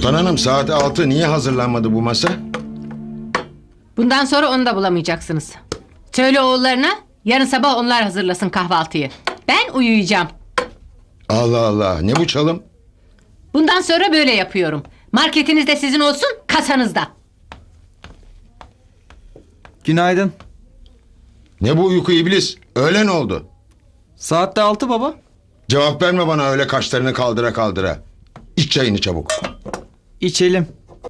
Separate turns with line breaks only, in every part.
Sultan Hanım saat 6 niye hazırlanmadı bu masa?
Bundan sonra onu da bulamayacaksınız. Söyle oğullarına yarın sabah onlar hazırlasın kahvaltıyı. Ben uyuyacağım.
Allah Allah, ne bu çalım?
Bundan sonra böyle yapıyorum. Marketiniz de sizin olsun, kasanız da.
Günaydın.
Ne bu uyku iblis? Öğlen oldu.
Saatte 6 baba.
Cevap verme bana öyle kaşlarını kaldıra kaldıra. İç çayını çabuk.
İçelim.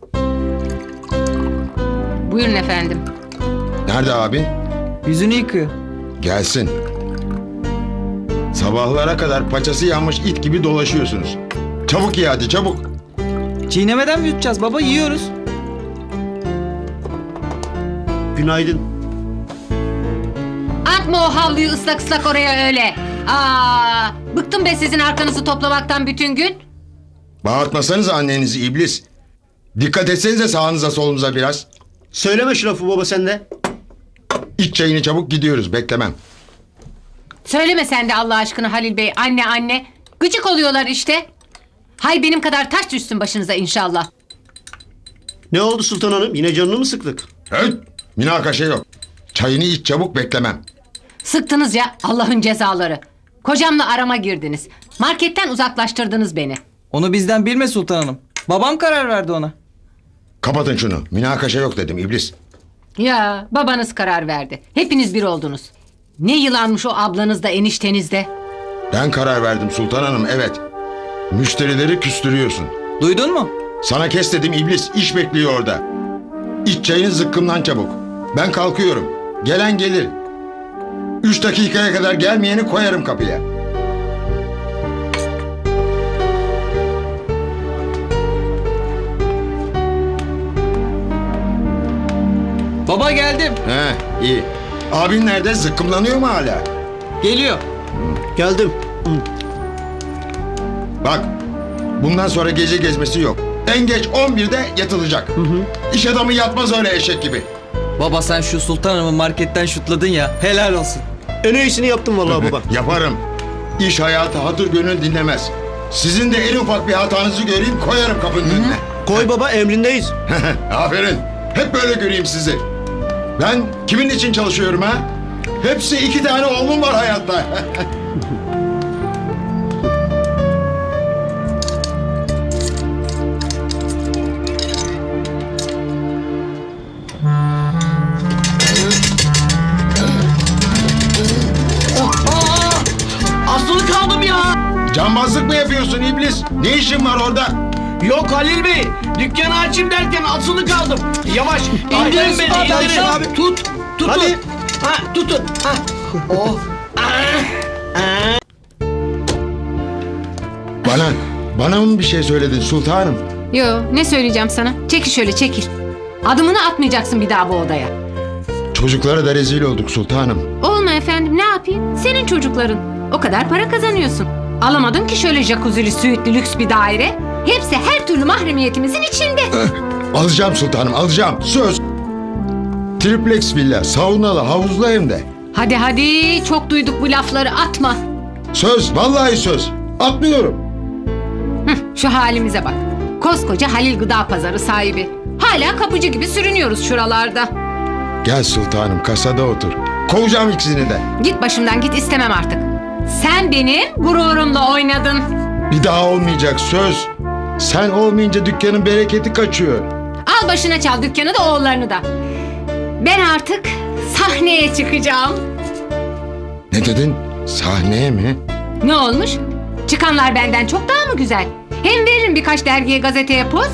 Buyurun efendim.
Nerede abin?
Yüzünü yıkıyor.
Gelsin. Sabahlara kadar paçası yanmış it gibi dolaşıyorsunuz. Çabuk ye hadi çabuk.
Çiğnemeden mi yutacağız baba? Yiyoruz.
Günaydın.
Atma o havluyu ıslak ıslak oraya öyle. Aa, bıktım be sizin arkanızı toplamaktan bütün gün.
Bağırtmasanız annenizi iblis. Dikkat etsenize sağınıza solunuza biraz.
Söyleme şu lafı baba sen de.
İç çayını çabuk gidiyoruz beklemem.
Söyleme sen de Allah aşkına Halil Bey, anne anne. Gıcık oluyorlar işte. Hay benim kadar taş düşsün başınıza inşallah.
Ne oldu Sultan Hanım? Yine canını mı sıktık?
Höt! Münakaşa yok. Çayını iç çabuk beklemem.
Sıktınız ya Allah'ın cezaları. Kocamla arama girdiniz. Marketten uzaklaştırdınız beni.
Onu bizden bilme Sultan Hanım. Babam karar verdi ona.
Kapatın şunu. Münakaşa yok dedim iblis.
Ya babanız karar verdi. Hepiniz bir oldunuz. Ne yılanmış o ablanız da enişteniz de.
Ben karar verdim Sultan Hanım evet. Müşterileri küstürüyorsun.
Duydun mu?
Sana kes dedim iblis. İş bekliyor orada. İç çayını zıkkımdan çabuk. Ben kalkıyorum. Gelen gelir. 3 dakikaya kadar gelmeyeni koyarım kapıya.
Baba geldim.
He iyi. Abin nerede? Zıkkımlanıyor mu hala?
Geliyor.
Geldim.
Bak. Bundan sonra gece gezmesi yok. En geç 11'de yatılacak. İş adamı yatmaz öyle eşek gibi.
Baba sen şu Sultan Hanım'ı marketten şutladın ya. Helal olsun.
En iyisini yaptım vallahi baba.
Yaparım. İş hayatı hatır gönül dinlemez. Sizin de en ufak bir hatanızı göreyim koyarım kapının önüne.
Koy baba emrindeyiz.
Aferin. Hep böyle göreyim sizi. Ben kimin için çalışıyorum ha? Hepsi 2 tane oğlum var hayatta.
Asılı kaldım ya.
Cambazlık mı yapıyorsun iblis? Ne işin var orada?
Yok Halil Bey. Dükkanı açayım derken asılı kaldım. Yavaş.
Ay,
İndirin beni.
hadi,
İndirin.
hadi.
Tut. Tutun.
Hadi.
Ha, tutun. Ha. Oh.
Bana mı bir şey söyledin sultanım?
Yo, ne söyleyeceğim sana? Çekil şöyle çekil. Adımını atmayacaksın bir daha bu odaya.
Çocuklara da rezil olduk sultanım.
Olma efendim, ne yapayım? Senin çocukların. O kadar para kazanıyorsun. Alamadın ki şöyle jacuzzi'li, süitli, lüks bir daire. Hepsi her türlü mahremiyetimizin içinde.
Alacağım sultanım alacağım. Söz. Triplex villa, saunalı, havuzlu hem de.
Hadi hadi, çok duyduk bu lafları, atma.
Söz, vallahi söz. Atmıyorum.
Şu halimize bak. Koskoca Halil Gıda Pazarı sahibi. Hala kapıcı gibi sürünüyoruz şuralarda.
Gel sultanım kasada otur. Kovacağım ikisini de.
Git başımdan git, istemem artık. Sen benim gururumla oynadın.
Bir daha olmayacak söz. Sen olmayınca dükkanın bereketi kaçıyor.
Al başına çal dükkanı da oğullarını da. Ben artık sahneye çıkacağım.
Ne dedin? Sahneye mi?
Ne olmuş? Çıkanlar benden çok daha mı güzel? Hem veririm birkaç dergiye, gazeteye poz.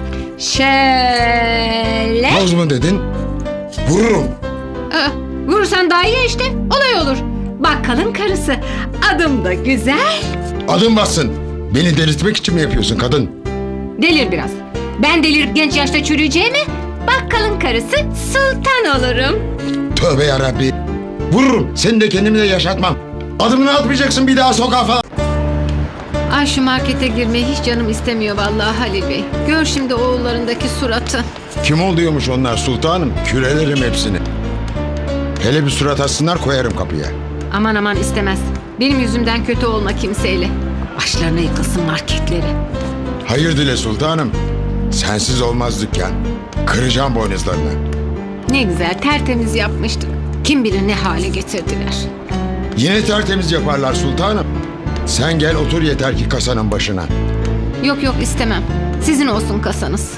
Şöyle.
Poz mu dedin? Vururum.
Vurursan daha iyi işte. Olay olur. Bakkalın karısı. Adım da güzel.
Adım bassın. Beni delirtmek için mi yapıyorsun kadın?
Delir biraz. Ben delirip genç yaşta çürüyeceğime bakkalın karısı sultan olurum.
Tövbe yarabbi. Vururum. Seni de kendimi de yaşatmam. Adımını atmayacaksın bir daha sokağa falan.
Ay şu markete girmeyi hiç canım istemiyor vallahi Halil Bey. Gör şimdi oğullarındaki suratı.
Kim oluyormuş onlar sultanım? Kürelerim hepsini. Hele bir surat assınlar koyarım kapıya.
Aman aman istemez. Benim yüzümden kötü olma kimseyle. Başlarına yıkılsın marketleri.
Hayır dile sultanım. Sensiz olmaz dükkan. Kıracağım boynuzlarını.
Ne güzel tertemiz yapmıştık. Kim bilir ne hale getirdiler.
Yine tertemiz yaparlar sultanım. Sen gel otur yeter ki kasanın başına.
Yok yok istemem. Sizin olsun kasanız.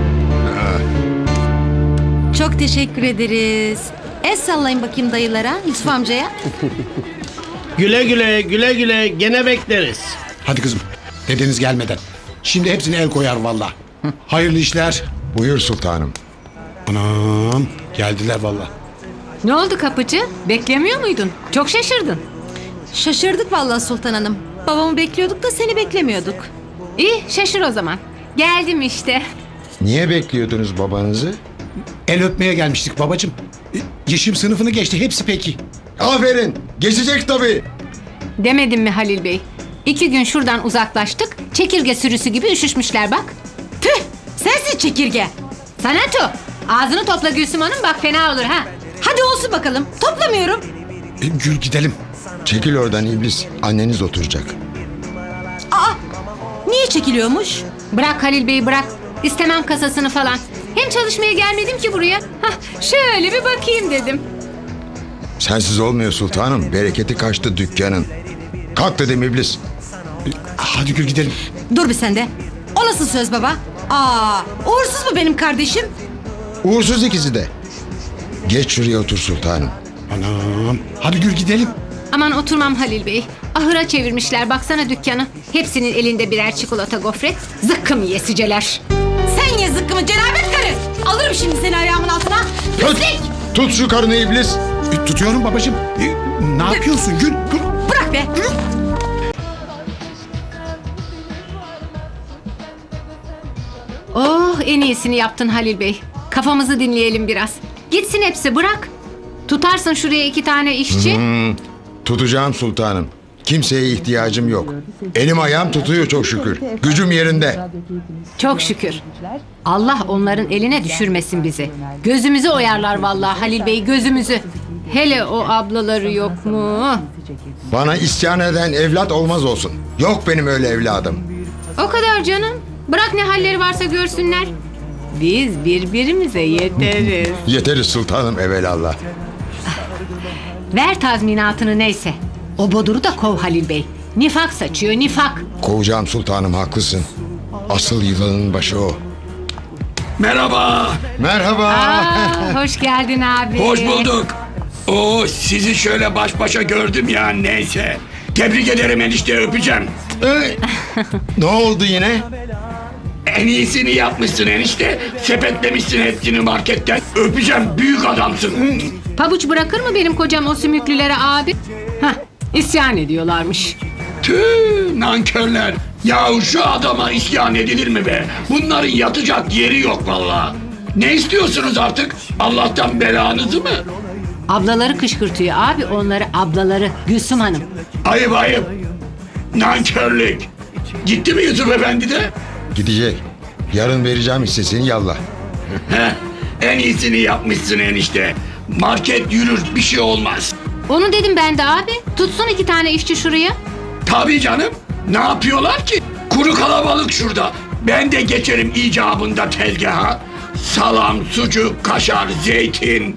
Çok teşekkür ederiz. El sallayın bakayım dayılara, Yusuf amcaya.
Güle güle güle güle gene bekleriz.
Hadi kızım. Dedeniz gelmeden. Şimdi hepsine el koyar valla. Hayırlı işler.
Buyur sultanım.
Anam. Geldiler valla.
Ne oldu kapıcı? Beklemiyor muydun? Çok şaşırdın.
Şaşırdık vallahi Sultan Hanım. Babamı bekliyorduk da seni beklemiyorduk.
İyi şaşır o zaman. Geldim işte.
Niye bekliyordunuz babanızı?
El öpmeye gelmiştik babacığım. Yeşim sınıfını geçti. Hepsi peki.
Aferin. Geçecek tabii.
Demedim mi Halil Bey? 2 gün şuradan uzaklaştık. Çekirge sürüsü gibi üşüşmüşler bak.
Tüh! Sensin çekirge.
Sanatu ağzını topla Gülsüm Hanım bak fena olur ha.
Hadi olsun bakalım. Toplamıyorum.
Gül gidelim.
Çekil oradan iblis. Anneniz oturacak.
Niye çekiliyormuş?
Bırak Halil Bey bırak. İstemem kasasını falan. Hem çalışmaya gelmedim ki buraya. Hah, şöyle bir bakayım dedim.
Sensiz olmuyor sultanım. Bereketi kaçtı dükkanın. Kalk dedim iblis.
Hadi Gül gidelim.
Dur bir sen de. O nasıl söz baba? Uğursuz mu benim kardeşim?
Uğursuz ikisi de. Geç şuraya otur sultanım.
Anam. Hadi Gül gidelim.
Aman oturmam Halil Bey. Ahıra çevirmişler baksana dükkanı. Hepsinin elinde birer çikolata gofret. Zıkkım yesiceler.
Sen ye zıkkımı cenabet karı. Alırım şimdi seni ayağımın altına.
Tut, tut şu karını iblis.
Tutuyorum babacığım. Ne yapıyorsun Gül? Gül.
Bırak be.
Oh en iyisini yaptın Halil Bey. Kafamızı dinleyelim biraz. Gitsin hepsi bırak. Tutarsın şuraya 2 tane işçi.
Tutacağım sultanım. Kimseye ihtiyacım yok. Elim ayağım tutuyor çok şükür. Gücüm yerinde.
Çok şükür. Allah onların eline düşürmesin bizi. Gözümüzü oyarlar vallahi Halil Bey gözümüzü. Hele o ablaları yok mu?
Bana isyan eden evlat olmaz olsun. Yok benim öyle evladım.
O kadar canım. Bırak ne halleri varsa görsünler. Biz birbirimize yeteriz.
Yeteriz sultanım evelallah.
Ver tazminatını neyse. O boduru da kov Halil Bey. Nifak saçıyor nifak.
Kovacağım sultanım haklısın. Asıl yılanın başı o.
Merhaba.
Merhaba.
Aa, hoş geldin abi.
Hoş bulduk. Oo, sizi şöyle baş başa gördüm ya neyse. Tebrik ederim enişte öpeceğim.
Ne oldu yine?
En iyisini yapmışsın enişte. Sepetlemişsin hepsini marketten. Öpeceğim büyük adamsın.
Pabuç bırakır mı benim kocam o sümüklülere abi? Hah, isyan ediyorlarmış.
Tüh nankörler. Yahu şu adama isyan edilir mi be? Bunların yatacak yeri yok vallahi. Ne istiyorsunuz artık? Allah'tan belanızı mı?
Ablaları kışkırtıyor abi onları ablaları Gülsüm Hanım.
Ayıp ayıp. Nankörlük. Gitti mi Yusuf Efendi de?
Gidecek. Yarın vereceğim hissesini yallah.
Heh, en iyisini yapmışsın enişte. Market yürür bir şey olmaz.
Onu dedim ben de abi. Tutsun 2 tane işçi şuraya.
Tabii canım. Ne yapıyorlar ki? Kuru kalabalık şurada. Ben de geçerim icabında tezgaha. Salam, sucuk, kaşar, zeytin.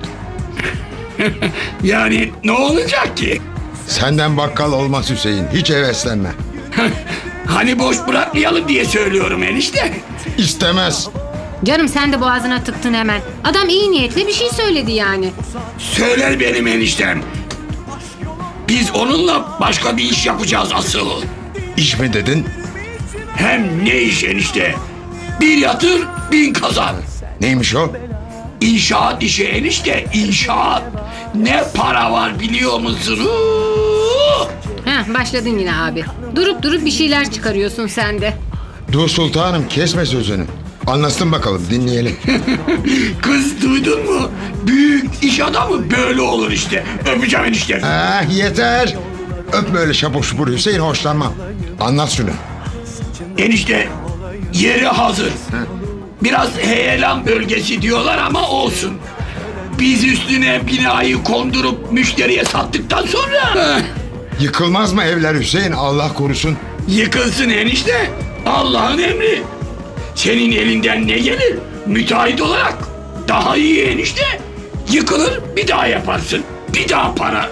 Yani ne olacak ki?
Senden bakkal olmaz Hüseyin. Hiç heveslenme.
Hani boş bırakmayalım diye söylüyorum enişte.
İstemez.
Canım sen de boğazına tıktın hemen. Adam iyi niyetli bir şey söyledi yani.
Söyler benim eniştem. Biz onunla başka bir iş yapacağız asıl.
İş mi dedin?
Hem ne iş enişte? Bir yatır, 1000 kazan.
Neymiş o?
İnşaat işi enişte, inşaat. Ne para var biliyor musun?
Heh, başladın yine abi. Durup durup bir şeyler çıkarıyorsun sen de.
Dur sultanım kesme sözünü. Anlatsın bakalım dinleyelim.
Kız duydun mu? Büyük iş adamı böyle olur işte. Öpeceğim enişte.
Yeter. Öpme öyle şapur şupur Hüseyin hoşlanmam. Anlat şunu.
Enişte yeri hazır. Biraz heyelan bölgesi diyorlar ama olsun. Biz üstüne binayı kondurup müşteriye sattıktan sonra
Yıkılmaz mı evler Hüseyin Allah korusun.
yıkılsın enişte. Allah'ın emri. Senin elinden ne gelir? Müteahhit olarak. Daha iyi enişte. Yıkılır bir daha yaparsın. Bir daha para.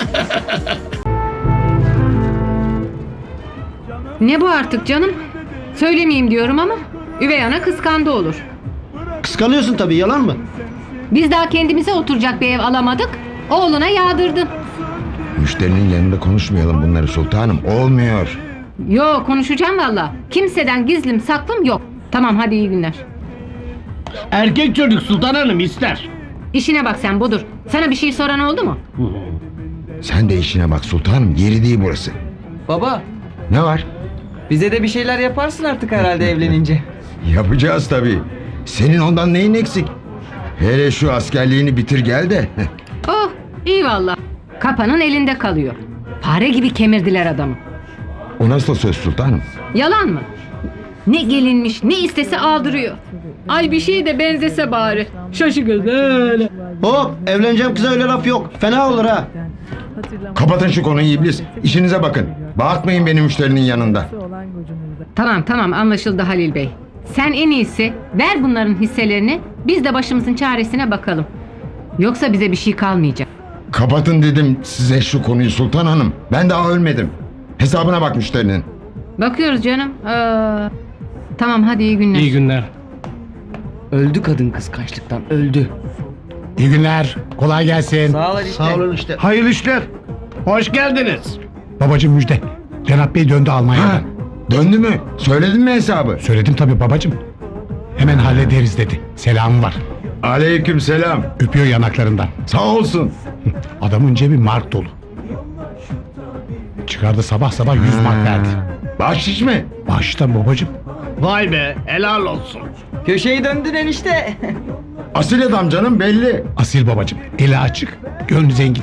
Ne bu artık canım? Söylemeyeyim diyorum ama üvey ana kıskandı olur.
Kıskanıyorsun tabii, yalan mı?
Biz daha kendimize oturacak bir ev alamadık. Oğluna yağdırdın.
Müşterinin yanında konuşmayalım bunları sultanım. Olmuyor.
Yo, konuşacağım valla. Kimseden gizlim saklım yok. Tamam, hadi iyi günler.
Erkek çocuk Sultan Hanım ister.
İşine bak sen Budur. Sana bir şey soran oldu mu?
Sen de işine bak sultanım. Yeri değil burası.
Baba,
Ne var?
bize de bir şeyler yaparsın artık herhalde evlenince.
Yapacağız tabii. Senin ondan neyin eksik? Hele şu askerliğini bitir gel de.
Oh, iyi valla. Kapanın elinde kalıyor. Fare gibi kemirdiler adamı.
O nasıl söz sultanım?
Yalan mı? Ne gelinmiş, ne istese aldırıyor. Ay bir şey de benzese bari. Şaşı göz öyle.
Hop, evleneceğim kıza öyle laf yok. Fena olur ha.
Kapatın şu konuyu iblis. İşinize bakın. Bağırtmayın beni müşterinin yanında.
Tamam anlaşıldı Halil Bey. Sen en iyisi ver bunların hisselerini. Biz de başımızın çaresine bakalım. Yoksa bize bir şey kalmayacak.
Kapatın dedim size şu konuyu sultan hanım. Ben daha ölmedim. Hesabına bak müşterinin.
Bakıyoruz canım. Tamam hadi iyi günler.
İyi günler.
Öldü kadın kıskançlıktan, öldü.
İyi günler. Kolay gelsin.
Sağ ol işte.
Sağ olun işte.
Hayırlı işler. Hoş geldiniz.
Babacım müjde. Cenap Bey döndü Almanya'dan.
Ha, döndü mü? Söyledin mi hesabı?
Söyledim tabii babacım. Hemen hallederiz dedi. Selamı var.
Aleyküm selam.
Öpüyor yanaklarından.
Sağ olsun.
Adamın cebi mark dolu. Çıkardı sabah sabah 100 mark verdi.
Bahşiş mi?
Baştan babacım.
Vay be, helal olsun.
Köşeyi döndün enişte.
Asil adam canım belli.
Asil babacım. Eli açık. Gönlü zengin.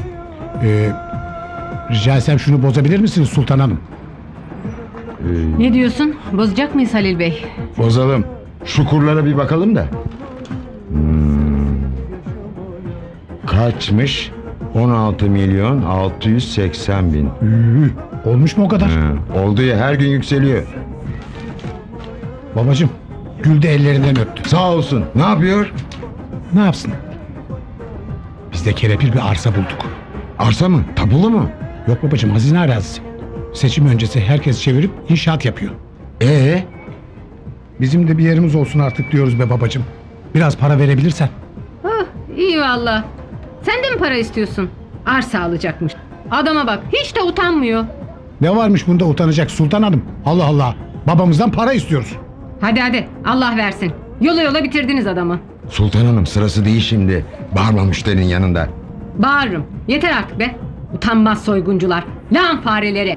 Rica etsem şunu bozabilir misiniz Sultan Hanım?
Ne diyorsun? Bozacak mıyız Halil Bey?
Bozalım. Şu kurlara bir bakalım da. Kaçmış? 16 milyon 680 bin.
Olmuş mu o kadar?
Oldu ya her gün yükseliyor.
Babacım. Gül de ellerinden öptü.
Sağ olsun. Ne yapıyor?
Ne yapsın? Biz de kelepir bir arsa bulduk.
Arsa mı? Tapulu mu?
Yok babacım, hazine arazisi. Seçim öncesi herkes çevirip inşaat yapıyor. Bizim de bir yerimiz olsun artık diyoruz be babacım. Biraz para verebilirsen.
Oh, iyi valla. Sen de mi para istiyorsun? Arsa alacakmış. Adama bak, hiç de utanmıyor.
Ne varmış bunda utanacak Sultan Hanım? Allah Allah. Babamızdan para istiyoruz.
Hadi Allah versin. Yola bitirdiniz adamı.
Sultan Hanım sırası değil şimdi. Bağırma müşterinin yanında.
Bağırırım. Yeter artık be. Utanmaz soyguncular. Lan fareleri.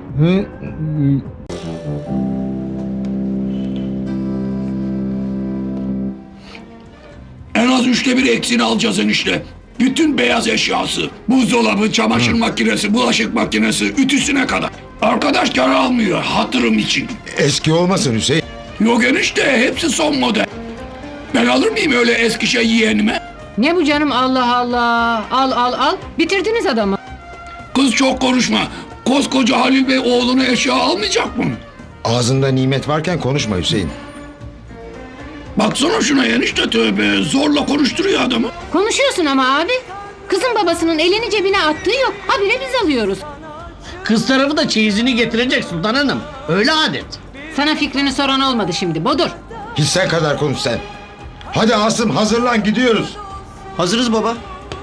En az 1/3 eksiğini alacağız enişte. Bütün beyaz eşyası, buzdolabı, çamaşır makinesi, bulaşık makinesi, ütüsüne kadar. Arkadaş kar almıyor hatırım için.
Eski olmasın Hüseyin.
Yok enişte, hepsi son model. Ben alır mıyım öyle eski şey yeğenime?
Ne bu canım, Allah Allah. Al. Bitirdiniz adamı.
Kız çok konuşma. Koskoca Halil Bey oğluna eşya almayacak mı?
Ağzında nimet varken konuşma Hüseyin.
Baksana şuna enişte, tövbe. Zorla konuşturuyor adamı.
Konuşuyorsun ama abi. Kızın babasının elini cebine attığı yok. Habire biz alıyoruz.
Kız tarafı da çeyizini getirecek Sultan Hanım. Öyle adet.
Sana fikrini soran olmadı şimdi Bodur.
Hissen kadar konuş sen. Hadi Asım hazırlan gidiyoruz.
Hazırız baba.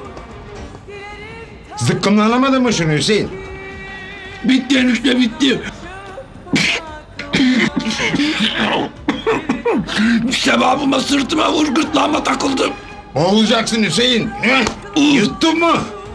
Zıkkımlanamadın mı şunu Hüseyin?
Bitti enişte, bitti. Sevabıma, sırtıma vur, gırtlağıma takıldım.
Boğulacaksın Hüseyin. Yuttun mu?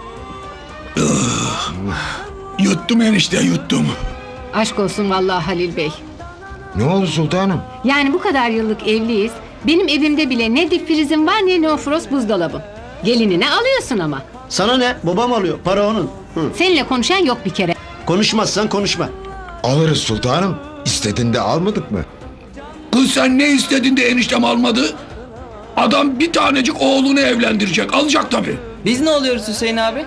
Yuttum enişte, yuttum.
Aşk olsun vallahi Halil Bey.
Ne oldu sultanım?
Yani bu kadar yıllık evliyiz. Benim evimde bile ne dip frizim var ne neofrost buzdolabım. Gelinine alıyorsun ama.
Sana ne? Babam alıyor. Para onun.
Seninle konuşan yok bir kere.
Konuşmazsan konuşma.
Alırız sultanım. İstediğinde almadık mı?
Kız sen ne istedin de eniştem almadı? Adam bir tanecik oğlunu evlendirecek. Alacak tabii.
Biz ne oluyoruz Hüseyin abi?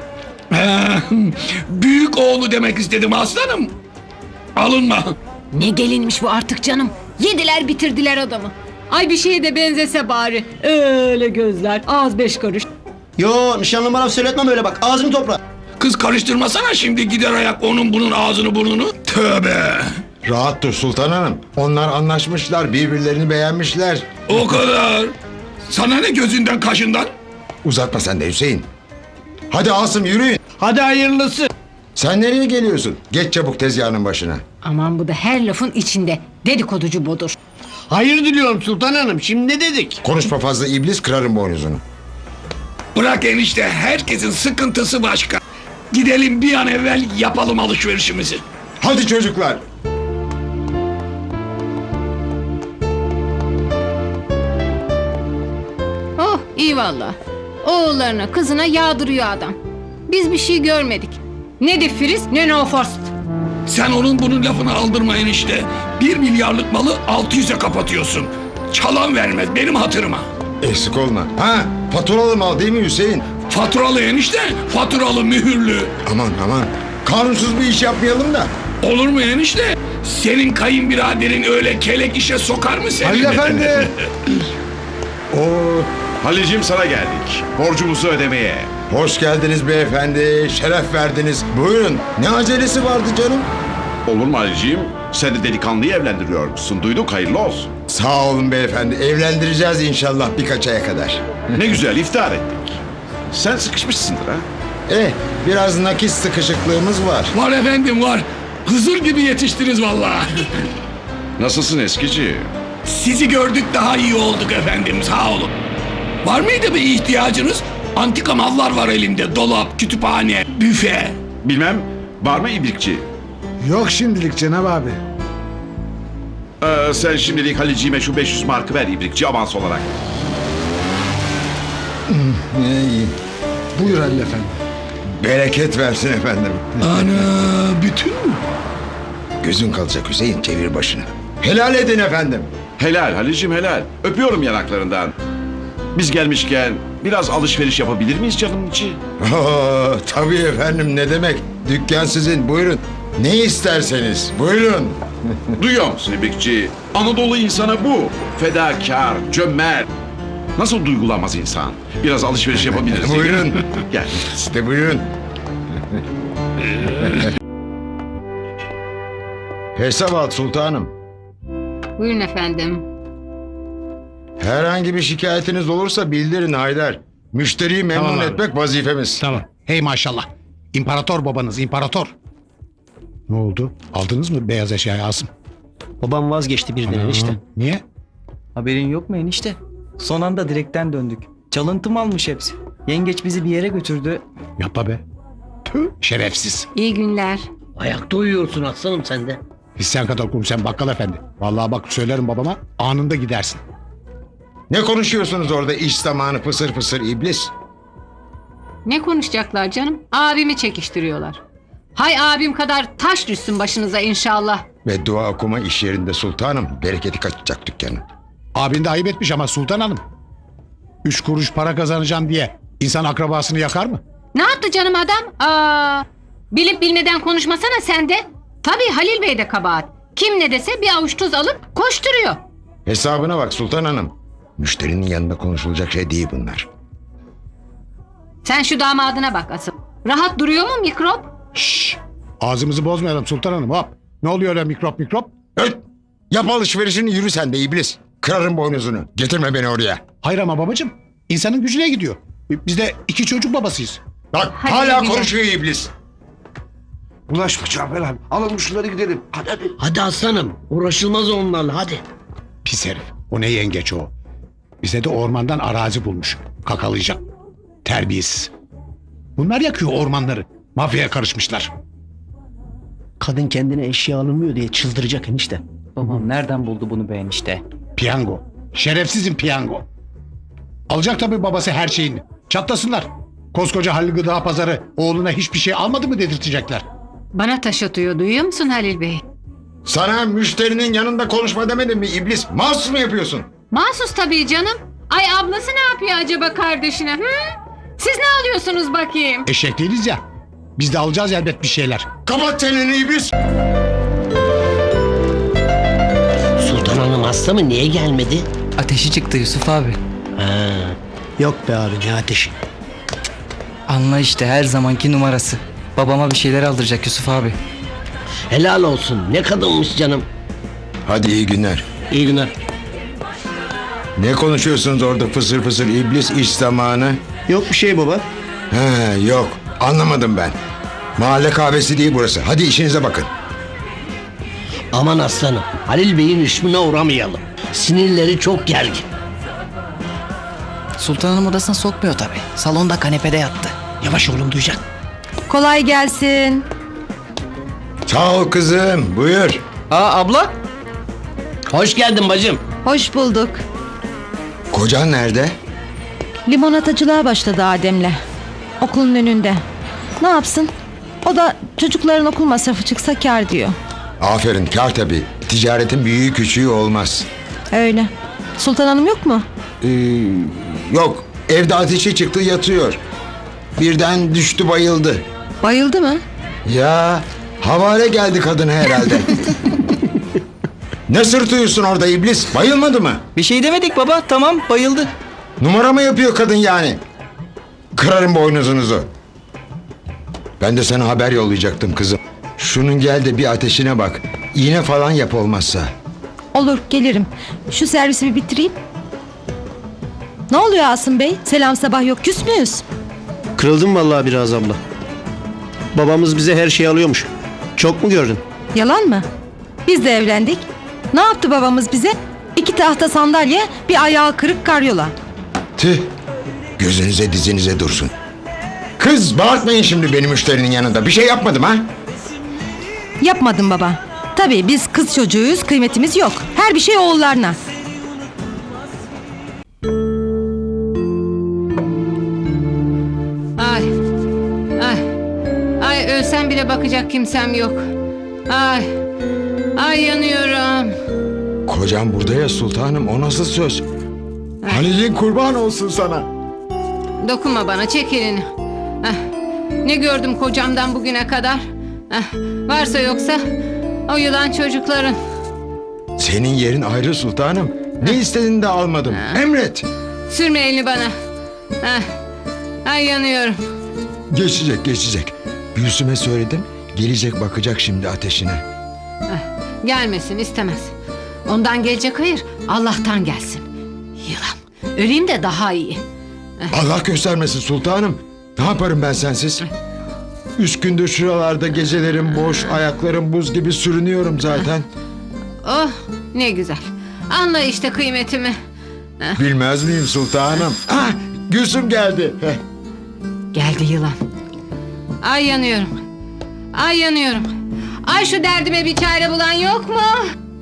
Büyük oğlu demek istedim aslanım. Alınma.
Ne gelinmiş bu artık canım. Yediler bitirdiler adamı. Ay bir şeye de benzese bari. Öyle gözler, ağız 5 karış.
Yo nişanlım bana söyletmem öyle bak ağzını topla.
Kız karıştırmasana şimdi gider ayak onun bunun ağzını burnunu. Tövbe.
Rahat dur Sultan Hanım. Onlar anlaşmışlar, birbirlerini beğenmişler.
O kadar. Sana ne gözünden kaşından?
Uzatma sen de Hüseyin. Hadi Asım yürüyün.
Hadi hayırlısı.
Sen nereye geliyorsun? Geç çabuk tezgahının başına.
Aman bu da her lafın içinde. Dedikoducu budur.
Hayır diliyorum Sultan Hanım. Şimdi ne dedik?
Konuşma fazla iblis, kırarım boynuzunu.
Bırak enişte, herkesin sıkıntısı başka. Gidelim bir an evvel yapalım alışverişimizi.
Hadi çocuklar.
Oh iyi valla. Oğullarına kızına yağdırıyor adam. Biz bir şey görmedik. Ne de Firiz ne No Forst.
Sen onun bunun lafını aldırma enişte. 1 milyarlık malı 600'e kapatıyorsun. Çalan vermez benim hatırıma.
Eksik olma. Ha, faturalı mal değil mi Hüseyin?
Faturalı enişte, faturalı mühürlü.
Aman aman. Kanunsuz bir iş yapmayalım da.
Olur mu enişte? Senin kayınbiraderin öyle kelek işe sokar mı seni?
Halil Efendi. Oo,
Halil'cim sana geldik. Borcumuzu ödemeye.
hoş geldiniz beyefendi. Şeref verdiniz. Buyurun. Ne acelesi vardı canım?
Olur mu Halil'cim? Sen de delikanlıyı evlendiriyormuşsun. Duyduk, hayırlı olsun.
Sağ olun beyefendi. Evlendireceğiz inşallah birkaç aya kadar.
Ne güzel iftar ettik. Sen sıkışmışsındır ha?
Biraz nakit sıkışıklığımız var.
Var efendim var. Hızır gibi yetiştiniz vallahi.
Nasılsın eskici?
Sizi gördük daha iyi olduk efendim sağ olun. Var mıydı bir ihtiyacınız? Antika mallar var elimde. Dolap, kütüphane, büfe.
Bilmem, var mı ibrikçi?
Yok şimdilik Cenab abi.
Sen şimdilik Halil'ciğime şu 500 markı ver ibrikçi avans olarak.
İyi.
Buyur Halil Efendi.
Bereket versin efendim.
Ana bütün mü?
Gözün kalacak Hüseyin, çevir başını. Helal edin efendim.
Helal Halil'cim helal. Öpüyorum yanaklarından. Biz gelmişken biraz alışveriş yapabilir miyiz canım içi?
Tabii efendim, ne demek. Dükkan sizin, buyurun. Ne isterseniz buyurun.
Duyuyor musun ibrikçi? Anadolu insanı bu. Fedakar, cömert. Nasıl duygulanmaz insan? Biraz alışveriş yapabiliriz. değil mi?
Buyurun.
Gel.
İşte buyurun. Hesap al sultanım.
Buyurun efendim.
Herhangi bir şikayetiniz olursa bildirin Haydar. Müşteriyi memnun
Tamam abi.
etmek vazifemiz.
Tamam. Hey maşallah. İmparator babanız imparator. Ne oldu? Aldınız mı beyaz eşyayı Asım?
Babam vazgeçti birden enişte.
Niye?
Haberin yok mu enişte? Son anda direkten döndük. Çalıntı almış hepsi. Yengeç bizi bir yere götürdü.
Yapma be. Tüh, şerefsiz.
İyi günler.
Ayakta uyuyorsun aslanım sen de.
Sen kadar kum sen bakkal efendi. Vallahi bak söylerim babama anında gidersin.
Ne konuşuyorsunuz orada iş zamanı fısır fısır iblis?
Ne konuşacaklar canım? Abimi çekiştiriyorlar. Hay abim kadar taş düşsün başınıza inşallah.
Ve dua okuma iş yerinde sultanım. Bereketi kaçacak dükkanın.
Abin de ayıp etmiş ama Sultan Hanım. 3 kuruş para kazanacağım diye insan akrabasını yakar mı?
Ne yaptı canım adam? Bilip bilmeden konuşmasana sen de. Tabii Halil Bey de kabahat. Kim ne dese bir avuç tuz alıp koşturuyor.
Hesabına bak sultan hanım. Müşterinin yanında konuşulacak şey değil bunlar.
Sen şu damadına bak asıl. Rahat duruyor mu mikrop?
Şşş. Ağzımızı bozmayalım Sultan Hanım hop. Ne oluyor öyle mikrop?
Öt! Yap alışverişini, yürü sen de iblis. Kırarım boynuzunu. Getirme beni oraya.
Hayır ama babacığım insanın gücüne gidiyor. Biz de 2 çocuk babasıyız.
Bak
Hadi
hala
güzel.
konuşuyor iblis.
Bulaşma Cafer abi. Alalım şunları gidelim. Hadi hadi.
Hadi aslanım. Uğraşılmaz onlarla hadi.
Pis herif. O ne yengeç o. Bize de ormandan arazi bulmuş. Kakalayacak. Terbiyesiz. Bunlar yakıyor ormanları. Mafyaya karışmışlar.
Kadın kendine eşya alınmıyor diye çıldıracak enişte.
Babam nereden buldu bunu be enişte?
Piyango. Şerefsizin piyango. Alacak tabii babası her şeyini. Çatlasınlar. Koskoca Halil Gıda Pazarı oğluna hiçbir şey almadı mı dedirtecekler.
Bana taş atıyor duyuyor musun Halil Bey?
Sana müşterinin yanında konuşma demedim mi iblis? Mahsus mu yapıyorsun?
Mahsus tabii canım. Ay ablası ne yapıyor acaba kardeşine? Hı? Siz ne alıyorsunuz bakayım?
Eşek değiliz ya. Biz de alacağız elbet bir şeyler.
Kapat çeneni iblis.
Sultan Hanım hasta mı? Niye gelmedi?
Ateşi çıktı Yusuf abi.
Yok be abi ne ateşi.
Anla işte her zamanki numarası. Babama bir şeyler aldıracak Yusuf abi.
Helal olsun ne kadınmış canım.
Hadi iyi günler.
İyi günler.
Ne konuşuyorsunuz orada fısır fısır iblis iş zamanı?
Yok bir şey baba.
He yok anlamadım ben. Mahalle kahvesi değil burası. Hadi işinize bakın.
Aman aslanım Halil Bey'in rüşmüne uğramayalım. Sinirleri çok gergin.
Sultan Hanım odasına sokmuyor tabii. Salonda kanepede yattı.
Yavaş oğlum duyacak.
Kolay gelsin.
Sağ ol kızım buyur.
Aa abla.
Hoş geldin bacım.
Hoş bulduk.
Kocan nerede?
Limonatacılığa başladı Adem'le. Okulun önünde. Ne yapsın? O da çocukların okul masrafı çıksa kâr diyor.
Aferin kar tabii. Ticaretin büyüğü küçüğü olmaz.
Öyle. Sultan Hanım yok mu?
Yok evde ateşi çıktı yatıyor. Birden düştü bayıldı.
Bayıldı mı?
Ya havale geldi kadına herhalde. Ne sırtıyorsun orada iblis? Bayılmadı mı?
Bir şey demedik baba. Tamam bayıldı.
Numara mı yapıyor kadın yani? Kırarım boynuzunuzu. Ben de sana haber yollayacaktım kızım. Şunun gel de bir ateşine bak. İğne falan yap olmazsa.
Olur gelirim. Şu servisi bir bitireyim. Ne oluyor Asım Bey? Selam sabah yok, küs müyüz?
Kırıldım vallahi biraz abla. Babamız bize her şeyi alıyormuş. Çok mu gördün?
Yalan mı? Biz de evlendik. Ne yaptı babamız bize? 2 tahta sandalye, bir ayağı kırık karyola.
Tüh. Gözünüze dizinize dursun. Kız bağırtmayın şimdi benim müşterinin yanında. Bir şey yapmadım ha?
Yapmadım baba. Tabii biz kız çocuğuyuz, kıymetimiz yok. Her bir şey oğullarına.
Ay. Ay. Ay ölsem bile bakacak kimsem yok. Ay. Ay yanıyorum.
Kocam burada ya sultanım, o nasıl söz? Halil'in kurban olsun sana.
Dokunma bana, çek elini. Ah, ne gördüm kocamdan bugüne kadar? Ah, varsa yoksa o yılan çocukların.
Senin yerin ayrı sultanım. Ne istediğini de almadım. Emret.
Sürme elini bana. Ah, ay yanıyorum.
Geçecek geçecek. Gülsüm'e söyledim. Gelecek bakacak şimdi ateşine.
Gelmesin, istemez. Ondan gelecek hayır, Allah'tan gelsin. Yılan. Öleyim de daha iyi.
Allah göstermesin sultanım. Ne yaparım ben sensiz? 3 gündür şuralarda gecelerim boş, ayaklarım buz gibi sürünüyorum zaten.
Oh, ne güzel. Anla işte kıymetimi.
Bilmez miyim sultanım? Ah, Gülsüm geldi. Heh.
Geldi yılan. Ay yanıyorum. Ay yanıyorum. Ay şu derdime bir çare bulan yok mu?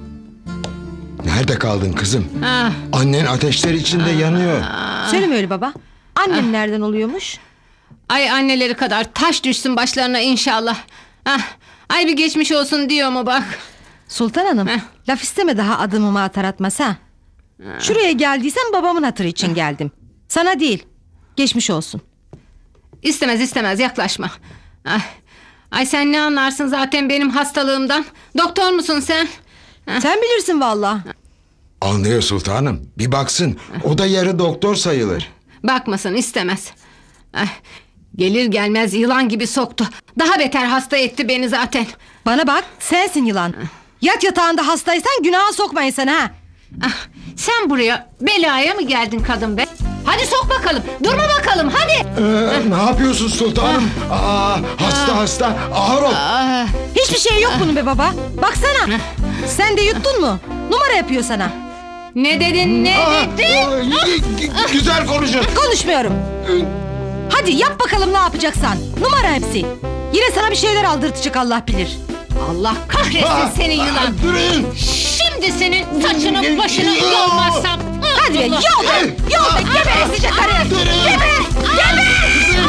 Nerede kaldın kızım?
Ah,
Annen ateşler içinde yanıyor.
Söyleme öyle baba. Annem nereden oluyormuş?
ay anneleri kadar taş düşsün başlarına inşallah. Ah, ay bir geçmiş olsun diyor mu bak.
Sultan Hanım, laf isteme daha adımımı atar atmaz ha. Şuraya geldiysem babamın hatırı için geldim. Sana değil. Geçmiş olsun.
İstemez istemez yaklaşma. Ay, ay sen ne anlarsın zaten benim hastalığımdan? Doktor musun sen?
Sen bilirsin valla.
Anlıyor sultanım. Bir baksın. O da yarı doktor sayılır.
Bakmasın istemez. Ay, gelir gelmez yılan gibi soktu. Daha beter hasta etti beni zaten.
Bana bak, sensin yılan. Yat yatağında hastaysan günaha sokmayın sen ha.
Ah, sen buraya belaya mı geldin kadın be? Hadi sok bakalım. Durma bakalım hadi.
Ne yapıyorsun sultanım? Hasta ağır ol.
Hiçbir şey yok bunun be baba. Baksana. Sen de yuttun mu? Numara yapıyor sana.
Ne dedin ne dedin?
Güzel konuşun.
Konuşmuyorum. Hadi yap bakalım ne yapacaksan. Numara hepsi. Yine sana bir şeyler aldırtacak Allah bilir.
Allah kahretsin seni yılan.
Durun.
Şimdi senin saçını başını yolmazsam.
Hadi be yol be. Yol be. Geber esice karı. Geber. Geber.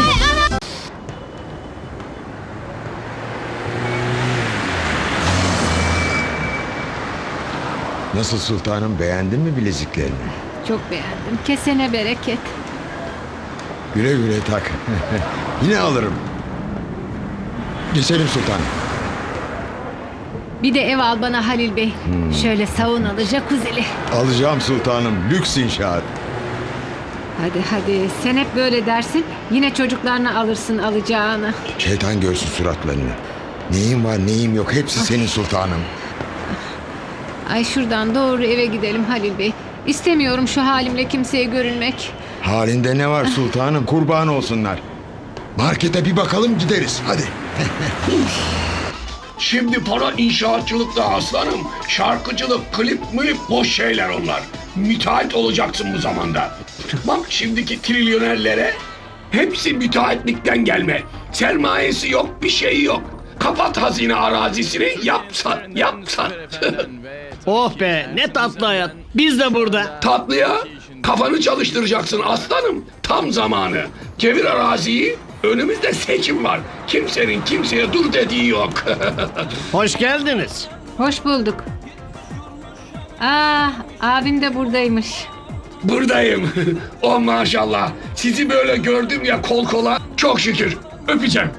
Nasıl sultanım, beğendin mi bileziklerini?
Çok beğendim. Kesene bereket.
Güle güle tak. Yine alırım. Geçelim sultanım.
Bir de ev al bana Halil Bey. Şöyle saunalı, jacuzzi'li.
Alacağım sultanım. Lüks inşaat.
Hadi sen hep böyle dersin. Yine çocuklarına alırsın alacağını.
Şeytan görsün suratlarını. Neyim var neyim yok hepsi senin sultanım.
Ay şuradan doğru eve gidelim Halil Bey. İstemiyorum şu halimle kimseye görünmek.
Halinde ne var sultanım kurban olsunlar. Markete bir bakalım gideriz hadi.
Şimdi para inşaatçılıkta aslanım. Şarkıcılık, klip, mülip boş şeyler onlar. Müteahhit olacaksın bu zamanda. Bak şimdiki trilyonerlere hepsi müteahhitlikten gelme. Sermayesi yok, bir şeyi yok. Kapat hazine arazisini, yapsan.
Oh be ne tatlı hayat. Biz de burada.
Tatlıya kafanı çalıştıracaksın aslanım. Tam zamanı. Çevir araziyi. Önümüzde seçim var. Kimsenin kimseye dur dediği yok.
Hoş geldiniz.
Hoş bulduk. Abim de buradaymış.
Buradayım. Oh maşallah. Sizi böyle gördüm ya kol kola. Çok şükür. Öpeceğim.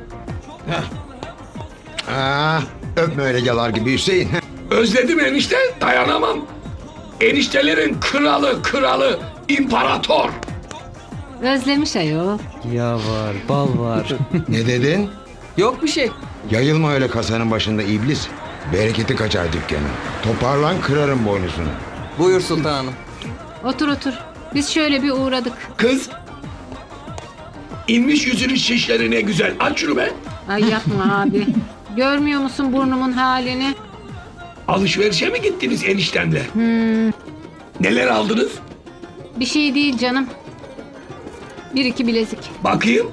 Öpme öyle yalar gibi Hüseyin.
Özledim enişte. Dayanamam. Eniştelerin kralı. İmparator.
Özlemiş ayol.
Ya var, bal var.
Ne dedin?
Yok bir şey.
Yayılma öyle kasanın başında iblis. Bereketi kaçar dükkanın. Toparlan kırarım boynuzunu.
Buyur sultanım.
Otur. Biz şöyle bir uğradık.
Kız. İnmiş yüzünün şişleri ne güzel. Aç şunu be.
Ay yapma abi. Görmüyor musun burnumun halini?
Alışverişe mi gittiniz eniştemle? Neler aldınız?
Bir şey değil canım. 1-2 bilezik.
Bakayım.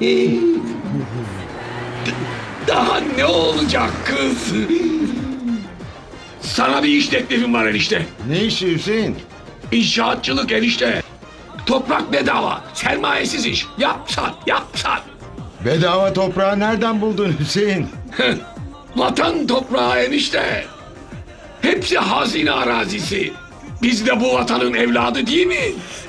Daha ne olacak kız? Sana bir iş teklifim var enişte.
Ne işi Hüseyin?
İnşaatçılık enişte. Toprak bedava. Sermayesiz iş. Yapsan.
Bedava toprağı nereden buldun Hüseyin?
Vatan toprağı enişte. Hepsi hazine arazisi. Biz de bu vatanın evladı değil mi?